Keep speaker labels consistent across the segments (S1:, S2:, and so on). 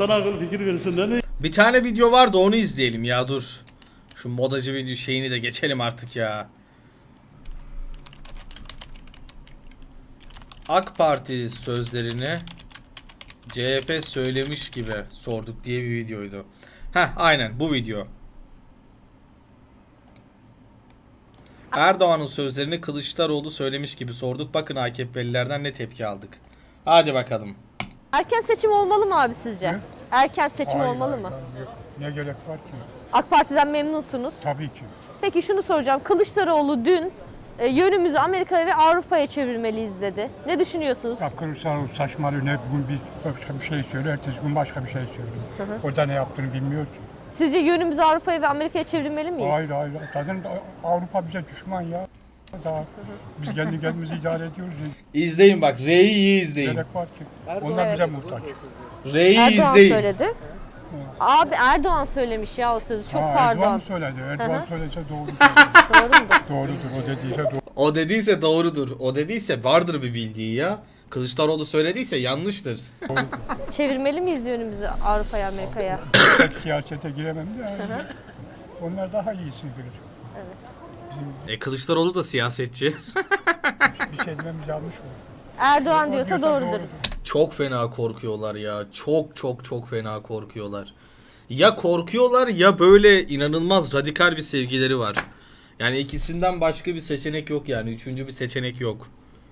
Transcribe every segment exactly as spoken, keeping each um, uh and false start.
S1: sana akıl fikir versinler.
S2: Bir tane video vardı, onu izleyelim ya, dur. Şu modacı video şeyini de geçelim artık ya. AK Parti sözlerini C H P söylemiş gibi sorduk diye bir videoydu. Heh, aynen bu video. Erdoğan'ın sözlerini Kılıçdaroğlu söylemiş gibi sorduk. Bakın A K P'lilerden ne tepki aldık. Hadi bakalım.
S3: Erken seçim olmalı mı abi sizce?
S4: Ne?
S3: Erken seçim
S4: Hayır,
S3: olmalı
S4: hayır,
S3: mı?
S4: hayır. Ne gerek var ki?
S3: AK Parti'den memnunsunuz.
S4: Tabii ki.
S3: Peki şunu soracağım. Kılıçdaroğlu dün e, yönümüzü Amerika'ya ve Avrupa'ya çevirmeliyiz dedi. Ne düşünüyorsunuz?
S4: Ya Kılıçdaroğlu saçmalıyor. Ne bugün bir başka bir şey söylüyor, ertesi gün başka bir şey söylüyor. O da ne yaptığını bilmiyor ki.
S3: Sizce yönümüzü Avrupa'ya ve Amerika'ya çevirmeli miyiz?
S4: Hayır hayır. Zaten Avrupa bize düşman ya. Daha biz kendi kendimizi idare ediyoruz.
S2: İzleyin bak, R'yi iyi izleyin.
S4: Gerek var ki. Onlar bize muhtaç.
S2: R'yi
S3: Erdoğan
S2: izleyin.
S3: söyledi. Abi Erdoğan söylemiş ya o sözü. Çok
S4: Ha,
S3: pardon.
S4: Erdoğan mı söyledi? Erdoğan söylese doğru.
S3: Doğru mudur?
S4: Doğrudur. O dediyse doğru.
S2: O dediyse doğrudur. O dediyse vardır bir bildiği ya. Kılıçdaroğlu söylediyse yanlıştır.
S3: Çevirmeli miyiz yönümüzü Avrupa'ya, Amerika'ya?
S4: Pek siyasete giremem de. Yani. Onlar daha iyisini görecek.
S2: E Kılıçdaroğlu da siyasetçi.
S4: Bir şey dememiz yanlış mı?
S3: Erdoğan
S4: O
S3: diyorsa doğrudur.
S2: Çok fena korkuyorlar ya. Çok çok çok fena korkuyorlar. Ya korkuyorlar ya böyle inanılmaz radikal bir sevgileri var. Yani ikisinden başka bir seçenek yok yani. Üçüncü bir seçenek yok.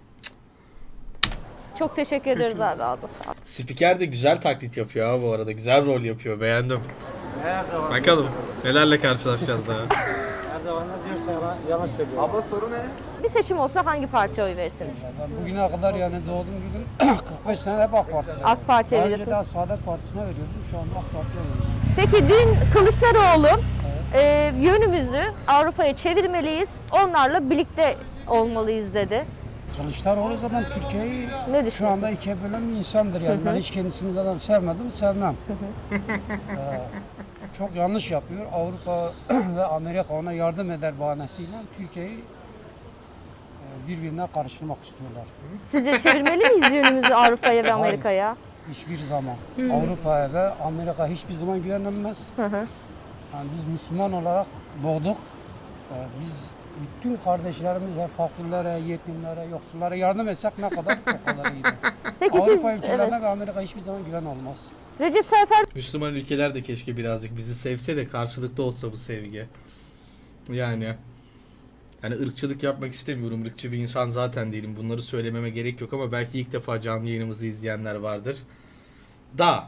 S3: Çok teşekkür ederiz abi. Ağzına sağlık.
S2: Spiker de güzel taklit yapıyor ha bu arada. Güzel rol yapıyor. Beğendim. Bakalım nelerle karşılaşacağız daha.
S5: Erdoğan'la diyor sana yalan söylüyor. Abla soru ne?
S3: Bir seçim olsa hangi partiye oy verirsiniz?
S6: Ben bugüne kadar yani doğduğum gün kırk beş sene hep AK Parti'de.
S3: AK Parti'ye
S6: Daha önce daha
S3: veriyorsunuz.
S6: Saadet Partisi'ne veriyordum. Şu anda AK Parti'ye veriyorum.
S3: Peki dün Kılıçdaroğlu e, yönümüzü Avrupa'ya çevirmeliyiz, onlarla birlikte olmalıyız dedi.
S6: Kılıçdaroğlu zaten Türkiye'yi
S3: Ne
S6: şu
S3: düşünüyorsunuz?
S6: anda ikiye bölen bir insandır yani. Ben hiç kendisini zaten sevmedim, sevmem. Ee, çok yanlış yapıyor. Avrupa ve Amerika ona yardım eder bahanesiyle Türkiye'yi e, birbirine karıştırmak istiyorlar.
S3: Sizce çevirmeli miyiz yönümüzü Avrupa'ya ve
S6: Hayır.
S3: Amerika'ya?
S6: Hiçbir zaman. Avrupa'ya ve Amerika hiçbir zaman güvenilmez. Yani biz Müslüman olarak doğduk. Ee, biz bütün kardeşlerimize, fakirlere, yetimlere, yoksullara yardım etsek ne kadar o kadar iyidir.
S3: Peki siz,
S6: Avrupa ülkelerine
S3: evet.
S6: ve Amerika hiçbir zaman güven olmaz.
S3: Recep Tayyip Erdoğan
S2: Müslüman ülkeler de keşke birazcık bizi sevse de karşılıklı olsa bu sevgi. Yani yani ırkçılık yapmak istemiyorum. Irkçı bir insan zaten değilim. Bunları söylememe gerek yok ama belki ilk defa canlı yayınımızı izleyenler vardır. Da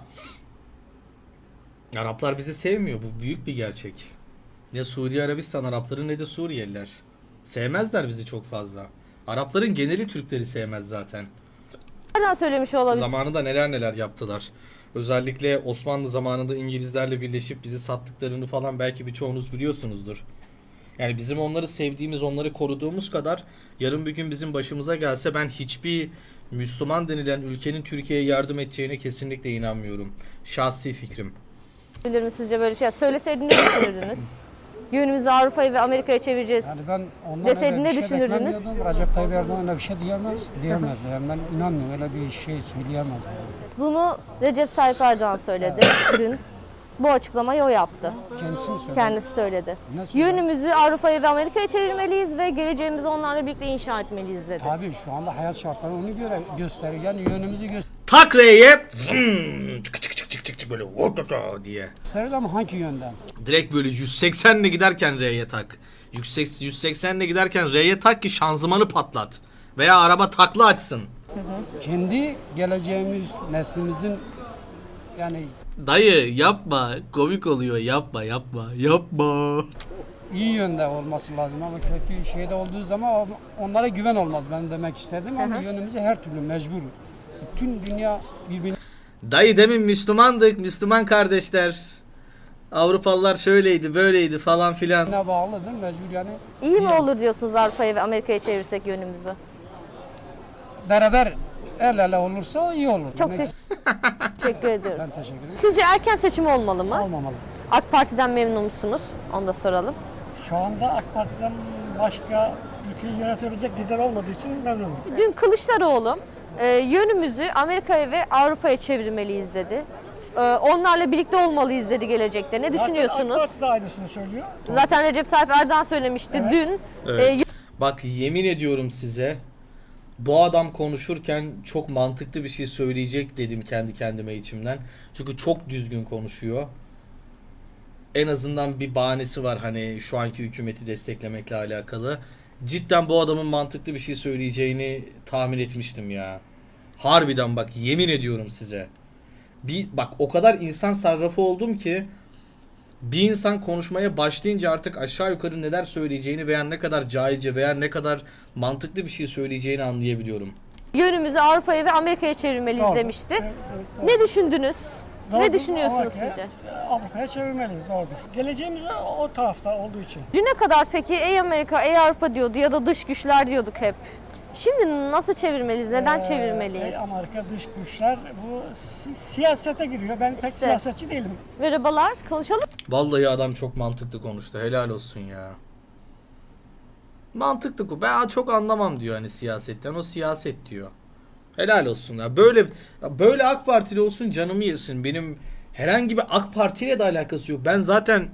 S2: Araplar bizi sevmiyor. Bu büyük bir gerçek. Ne Suudi Arabistan Arapları ne de Suriyeliler. Sevmezler bizi çok fazla. Arapların geneli Türkleri sevmez zaten.
S3: söylemiş olabilir.
S2: Zamanında neler neler yaptılar. Özellikle Osmanlı zamanında İngilizlerle birleşip bizi sattıklarını falan belki birçoğunuz biliyorsunuzdur. Yani bizim onları sevdiğimiz, onları koruduğumuz kadar yarın bir gün bizim başımıza gelse ben hiçbir Müslüman denilen ülkenin Türkiye'ye yardım edeceğine kesinlikle inanmıyorum. Şahsi fikrim.
S3: Bilir mi sizce böyle bir şey? Söyleseydin ne düşünürdünüz? Yönümüzü Avrupa'ya ve Amerika'ya çevireceğiz.
S6: Yani ben ondan
S3: Deseydin
S6: öyle
S3: ne
S6: bir şey
S3: düşünürdünüz?
S6: beklemiyordum. Recep Tayyip Erdoğan öyle bir şey diyemez. Diyemez. Yani ben inanmıyorum öyle bir şey söyleyemez. Yani.
S3: Bunu Recep Tayyip Erdoğan söyledi dün. Bu açıklamayı o yaptı.
S6: Kendisi mi söyledi?
S3: Kendisi söyledi.
S6: Ne söyledi?
S3: Yönümüzü Avrupa'ya ve Amerika'ya çevirmeliyiz ve geleceğimizi onlarla birlikte inşa etmeliyiz dedi.
S6: Tabii şu anda hayat şartları onu göre gösteriyor. Yani yönümüzü gösteriyor.
S2: Tak R'ye hmm, çık çık çık çık çık çık böyle vurdu diye.
S6: Ama hangi yönden?
S2: Direkt böyle yüz seksenle giderken R'ye tak. yüz seksenle giderken R'ye tak ki şanzımanı patlat. Veya araba takla açsın.
S6: Kendi geleceğimiz, neslimizin yani
S2: Dayı yapma. Komik oluyor. Yapma yapma. Yapma.
S6: iyi yönde olması lazım ama kötü şeyde olduğu zaman onlara güven olmaz. Ben demek istedim ama yönümüzü her türlü mecbur. Bütün dünya birbirine
S2: Dayı demin Müslümandık. Müslüman kardeşler. Avrupalılar şöyleydi böyleydi falan filan.
S6: bağlıdır mecbur yani.
S3: İyi mi olur diyorsunuz Avrupa'ya ve Amerika'ya çevirsek yönümüzü?
S6: Beraber el ele olursa iyi olur.
S3: Çok
S6: Ne-
S3: te- teşekkür ediyoruz.
S6: Ben teşekkür ederim.
S3: Sizce erken seçim olmalı mı?
S6: Olmamalı.
S3: AK Parti'den memnun musunuz? Onu da soralım.
S7: Şu anda AK Parti'den başka ülkeyi yönetebilecek lider olmadığı için memnunum.
S3: Dün Kılıçdaroğlu e, yönümüzü Amerika'ya ve Avrupa'ya çevirmeliyiz dedi. e, onlarla birlikte olmalıyız dedi gelecekte. Ne düşünüyorsunuz?
S7: Zaten AK Parti de aynısını söylüyor.
S3: Zaten Recep Tayyip Erdoğan söylemişti
S7: Evet.
S3: dün.
S2: Evet.
S3: E,
S2: Bak yemin ediyorum size, bu adam konuşurken çok mantıklı bir şey söyleyecek dedim kendi kendime içimden. Çünkü çok düzgün konuşuyor. En azından bir bahanesi var hani şu anki hükümeti desteklemekle alakalı. Cidden bu adamın mantıklı bir şey söyleyeceğini tahmin etmiştim ya. Harbiden bak yemin ediyorum size. Bir bak o kadar insan sarrafı oldum ki bir insan konuşmaya başlayınca artık aşağı yukarı neler söyleyeceğini veya ne kadar cahilce veya ne kadar mantıklı bir şey söyleyeceğini anlayabiliyorum.
S3: yönümüzü Avrupa'ya ve Amerika'ya çevirmeliyiz
S7: Doğru.
S3: demişti.
S7: Evet, evet, doğru.
S3: Ne düşündünüz? Ne
S7: Doğrudur.
S3: düşünüyorsunuz
S7: Avrupa'ya-
S3: sizce?
S7: Avrupa'ya çevirmeliyiz, doğrudur. Geleceğimiz o, o tarafta olduğu için.
S3: Düne kadar peki ey Amerika, ey Avrupa diyordu ya da dış güçler diyorduk hep. Şimdi nasıl çevirmeliyiz? Neden
S7: Ee,
S3: çevirmeliyiz?
S7: ey Amerika dış güçler bu si- siyasete giriyor. Ben pek
S3: İşte.
S7: siyasetçi değilim.
S3: Merhabalar, konuşalım.
S2: Vallahi adam çok mantıklı konuştu. Helal olsun ya. Mantıklı bu. Ben çok anlamam diyor hani siyasetten. O siyaset diyor. Helal olsun ya. Böyle ya böyle AK Partili olsun canımı yesin. Benim herhangi bir AK Parti ile de alakası yok. Ben zaten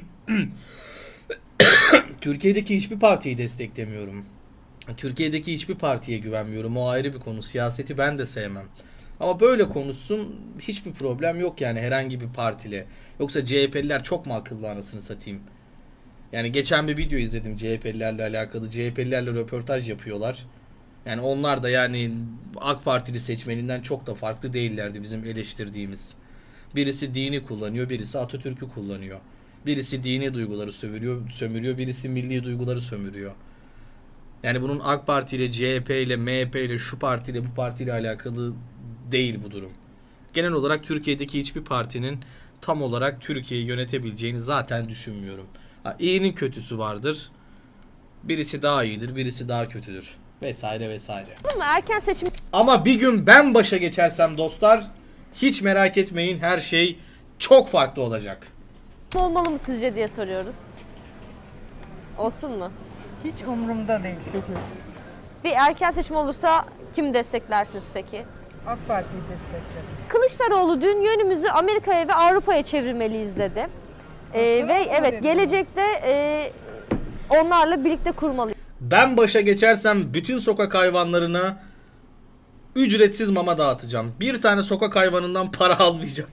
S2: Türkiye'deki hiçbir partiyi desteklemiyorum. Türkiye'deki hiçbir partiye güvenmiyorum. O ayrı bir konu. Siyaseti ben de sevmem. Ama böyle konuşsun hiçbir problem yok yani herhangi bir partiyle. Yoksa C H P'liler çok mu akıllı anasını satayım? Yani geçen bir video izledim C H P'lilerle alakalı. C H P'lilerle röportaj yapıyorlar. Yani onlar da yani AK Partili seçmeninden çok da farklı değillerdi bizim eleştirdiğimiz. Birisi dini kullanıyor, birisi Atatürk'ü kullanıyor. Birisi dini duyguları sömürüyor, sömürüyor, birisi milli duyguları sömürüyor. Yani bunun AK Parti ile, C H P ile, M H P ile, şu partiyle, bu partiyle alakalı değil bu durum. Genel olarak Türkiye'deki hiçbir partinin tam olarak Türkiye'yi yönetebileceğini zaten düşünmüyorum. Ha, iyinin kötüsü vardır. Birisi daha iyidir, birisi daha kötüdür. Vesaire vesaire.
S3: Ama erken seçim
S2: Ama bir gün ben başa geçersem dostlar, hiç merak etmeyin, her şey çok farklı olacak.
S3: olmalı mı sizce diye soruyoruz. Olsun mu?
S1: Hiç umurumda değil.
S3: Bir erken seçim olursa kim desteklersiniz peki?
S1: AK Parti'yi desteklerim.
S3: Kılıçdaroğlu dün yönümüzü Amerika'ya ve Avrupa'ya çevirmeliyiz dedi. Ee, ve
S1: Kılıçdaroğlu mu
S3: evet
S1: dedi
S3: gelecekte e, onlarla birlikte kurmalıyız.
S2: Ben başa geçersem bütün sokak hayvanlarına ücretsiz mama dağıtacağım. Bir tane sokak hayvanından para almayacağım.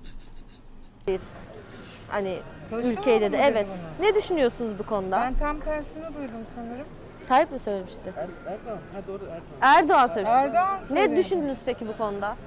S3: Hani
S1: Kılıçdaroğlu
S3: ülkeyi dedi.
S1: mu dedi
S3: Evet.
S1: bunu?
S3: Ne düşünüyorsunuz bu konuda?
S1: Ben tam tersini duydum sanırım.
S3: Tayyip mi söylemişti?
S5: Erdoğan. Ha doğru Erdoğan.
S3: Erdoğan söylemişti.
S1: Erdoğan
S3: Ne
S1: söyledi.
S3: düşündünüz peki bu konuda?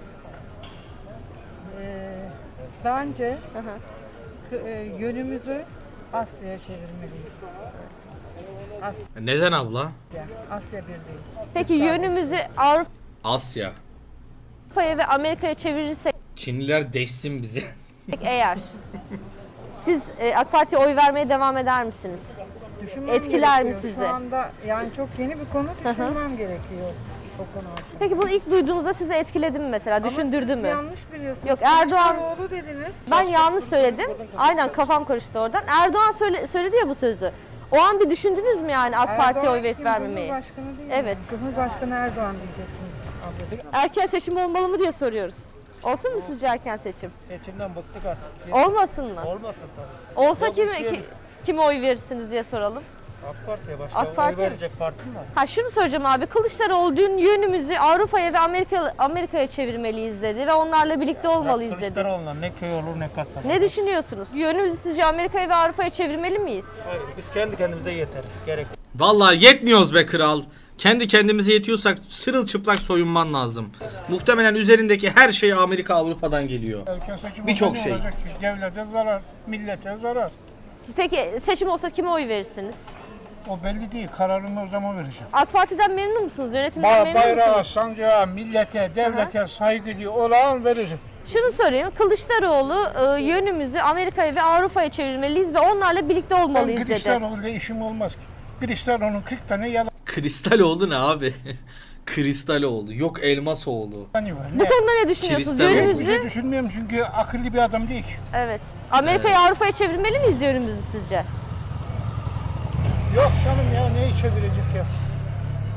S1: Ee, bence
S3: Hı hı.
S1: k- e, yönümüzü Asya'ya çevirmeliyiz. Asya,
S2: Neden abla?
S1: Asya Birliği.
S3: Peki yönümüzü Avrupa'ya
S2: Asya.
S3: ve Amerika'ya çevirirsek
S2: Çinliler deşsin bizi.
S3: eğer siz e, AK Parti'ye oy vermeye devam eder misiniz?
S1: Düşünmem
S3: Etkiler mi
S1: gerekiyor.
S3: sizi?
S1: Şu anda yani çok yeni bir konu, düşünmem gerekiyor o konu hakkında.
S3: Peki bunu ilk duyduğunuzda sizi etkiledi mi mesela? Düşündürdü
S1: Ama siz
S3: mü?
S1: yanlış biliyorsunuz.
S3: Yok, Erdoğan-
S1: Kılıçdaroğlu dediniz.
S3: Ben yanlış söyledim. Aynen kafam karıştı oradan. Erdoğan söyle, söyledi ya bu sözü. O an bir düşündünüz mü yani AK Parti'ye oy verip
S1: kim?
S3: vermemeyi?
S1: Cumhurbaşkanı değil
S3: Evet.
S1: mi? Cumhurbaşkanı Erdoğan diyeceksiniz ablacığım.
S3: Erken seçim olmalı mı diye soruyoruz. Olsun mu sizce erken seçim?
S5: Seçimden bıktık artık.
S3: Olmasın mı?
S5: Olmasın tabii.
S3: Olsa
S5: Yok,
S3: kime,
S5: ülkeye
S3: ki,
S5: biz-
S3: kime oy verirsiniz diye soralım.
S5: AK Parti'ye başka
S3: AK
S5: oy
S3: Parti mi?
S5: verecek parti mi var?
S3: Ha şunu söyleyeceğim abi. Kılıçdaroğlu dün yönümüzü Avrupa'ya ve Amerika Amerika'ya çevirmeliyiz dedi ve onlarla birlikte olmalıyız dedi.
S5: Kılıçdaroğlu'na ne köy olur ne kasaba.
S3: Ne düşünüyorsunuz? Yönümüzü sizce Amerika'ya ve Avrupa'ya çevirmeli miyiz?
S5: Hayır, biz kendi kendimize yeteriz. Gerek.
S2: Vallahi yetmiyoruz be kral. Kendi kendimize yetiyorsak sırılçıplak soyunman lazım. Muhtemelen üzerindeki her şey Amerika Avrupa'dan geliyor.
S4: Erken seçim
S2: Birçok
S4: olsa ne
S2: şey.
S4: olacak ki? Devlete zarar, millete zarar.
S3: Peki seçim olsa kime oy verirsiniz?
S4: O belli değil. Kararımı o zaman vereceğim.
S3: AK Parti'den memnun musunuz? Yönetimden
S4: Ba
S3: memnun
S4: bayrağa,
S3: musunuz?
S4: sancağa, millete, devlete saygılı olan vereceğim.
S3: Şunu sorayım. Kılıçdaroğlu e, yönümüzü Amerika'ya ve Avrupa'ya çevirmeliyiz ve onlarla birlikte
S4: Ben
S3: olmalıyız dedi.
S4: Kılıçdaroğlu'yla işim olmaz ki. Kılıçdaroğlu'nun kırk tane yalanı
S2: Kristaloğlu ne abi? Kristaloğlu. Yok Elmasoğlu.
S4: var.
S3: Bu
S4: Ne?
S3: konuda ne düşünüyorsunuz?
S2: Kristal-
S4: Bir
S3: Yönümüzü
S4: şey düşünmüyorum çünkü akıllı bir adam değil ki.
S3: evet. Amerika'ya Avrupa'ya çevirmeli miyiz yönümüzü sizce?
S4: Yok canım ya neyi çevirecek ya?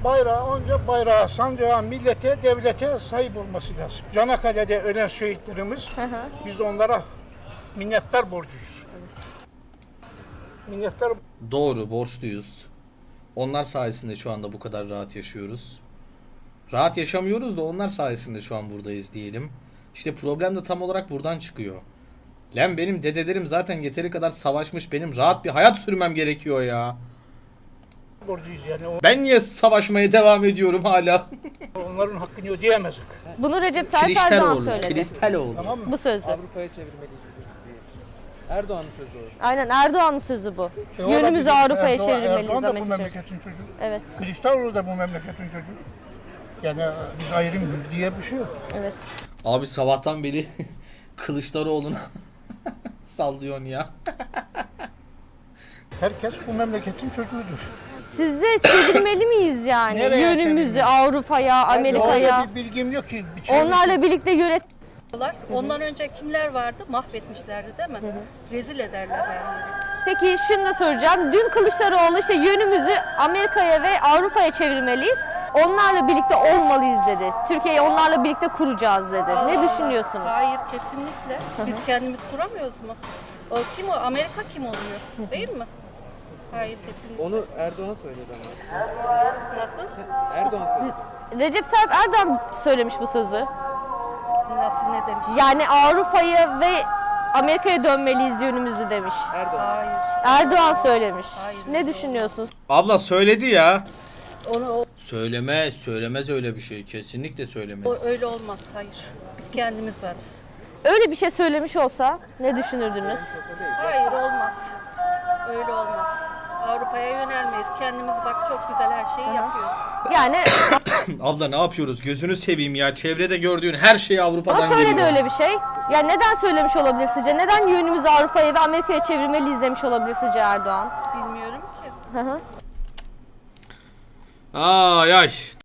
S8: bayrağı onca bayrağa, sancağa, millete, devlete sahip olması lazım. Çanakkale'de ölen şehitlerimiz, biz onlara minnettar borcuyuz. Minnettar.
S2: Doğru, borçluyuz. Onlar sayesinde şu anda bu kadar rahat yaşıyoruz. Rahat yaşamıyoruz da onlar sayesinde şu an buradayız diyelim. İşte problem de tam olarak buradan çıkıyor. Lan benim dedelerim zaten yeteri kadar savaşmış. Benim rahat bir hayat sürmem gerekiyor ya.
S8: borcuyuz yani.
S2: Ben niye savaşmaya devam ediyorum hala?
S8: Onların hakkını ödeyemezdik.
S3: Bunu Recep Tayyip Erdoğan
S2: Kiristaloğlu.
S3: söyledi.
S2: Kiristaloğlu.
S8: Tamam mı?
S3: Bu sözü.
S5: Avrupa'ya çevirmeliyiz diye. Erdoğan'ın sözü o.
S3: Aynen Erdoğan'ın sözü bu.
S8: E,
S3: Yönümüzü
S8: olabilir.
S3: Avrupa'ya
S8: Erdoğan-
S3: çevirmeliyiz
S8: Erdoğan da bu
S3: Amerika'ya.
S8: memleketin çocuğu.
S3: Evet,
S8: Kılıçdaroğlu da bu memleketin çocuğu. Yani biz ayrım diye bir şey yok.
S3: evet.
S2: Abi sabahtan beri Kılıçdaroğlu'na sallıyorsun ya.
S8: Herkes bu memleketin çocuğudur.
S3: Size çevirmeli miyiz yani?
S8: Nereye
S3: Yönümüzü
S8: çevirmeli?
S3: Avrupa'ya, Amerika'ya.
S8: Öyle bir bilgim yok ki. Bir çevirsin.
S3: Onlarla birlikte yönet...
S9: Ondan önce kimler vardı? Mahvetmişlerdi değil mi? Rezil ederler her yeri.
S3: Peki şunu da soracağım. Dün Kılıçdaroğlu işte yönümüzü Amerika'ya ve Avrupa'ya çevirmeliyiz. Onlarla birlikte olmalıyız dedi. Türkiye'yi onlarla birlikte kuracağız dedi.
S9: Allah
S3: Ne
S9: Allah.
S3: düşünüyorsunuz?
S9: Hayır, kesinlikle. Biz kendimiz kuramıyoruz mu? O kim o? Amerika kim oluyor? Değil mi? Hayır, kesinlikle.
S5: Onu Erdoğan söyledi ama.
S9: Nasıl?
S5: Erdoğan söyledi.
S3: Recep Tayyip Erdoğan söylemiş bu sözü.
S9: Nasıl, ne demiş?
S3: Yani Avrupa'ya ve Amerika'ya dönmeliyiz yönümüzü demiş.
S5: Erdoğan.
S9: Hayır.
S3: Erdoğan söylemiş.
S9: Hayır.
S3: Ne düşünüyorsunuz?
S2: Abla söyledi ya.
S9: Onu o,
S2: Söylemez, söylemez öyle bir şey. Kesinlikle
S9: o
S2: söylemez.
S9: öyle olmaz. Hayır. Biz kendimiz varız.
S3: Öyle bir şey söylemiş olsa ne düşünürdünüz?
S9: Hayır, olmaz. Öyle olmaz. Avrupa'ya yönelmeyiz. Kendimiz bak çok güzel her şeyi yapıyoruz.
S3: Yani
S2: Abla ne yapıyoruz? Gözünü seveyim ya. Çevrede gördüğün her şey Avrupa'dan
S3: ama söyledi
S2: geliyor.
S3: öyle bir şey. Ya neden söylemiş olabilir sizce? Neden yönümüzü Avrupa'ya ve Amerika'ya çevirmeliyiz demiş olabilir sizce Erdoğan?
S9: Bilmiyorum ki.
S3: Hı hı.
S2: Ay ay.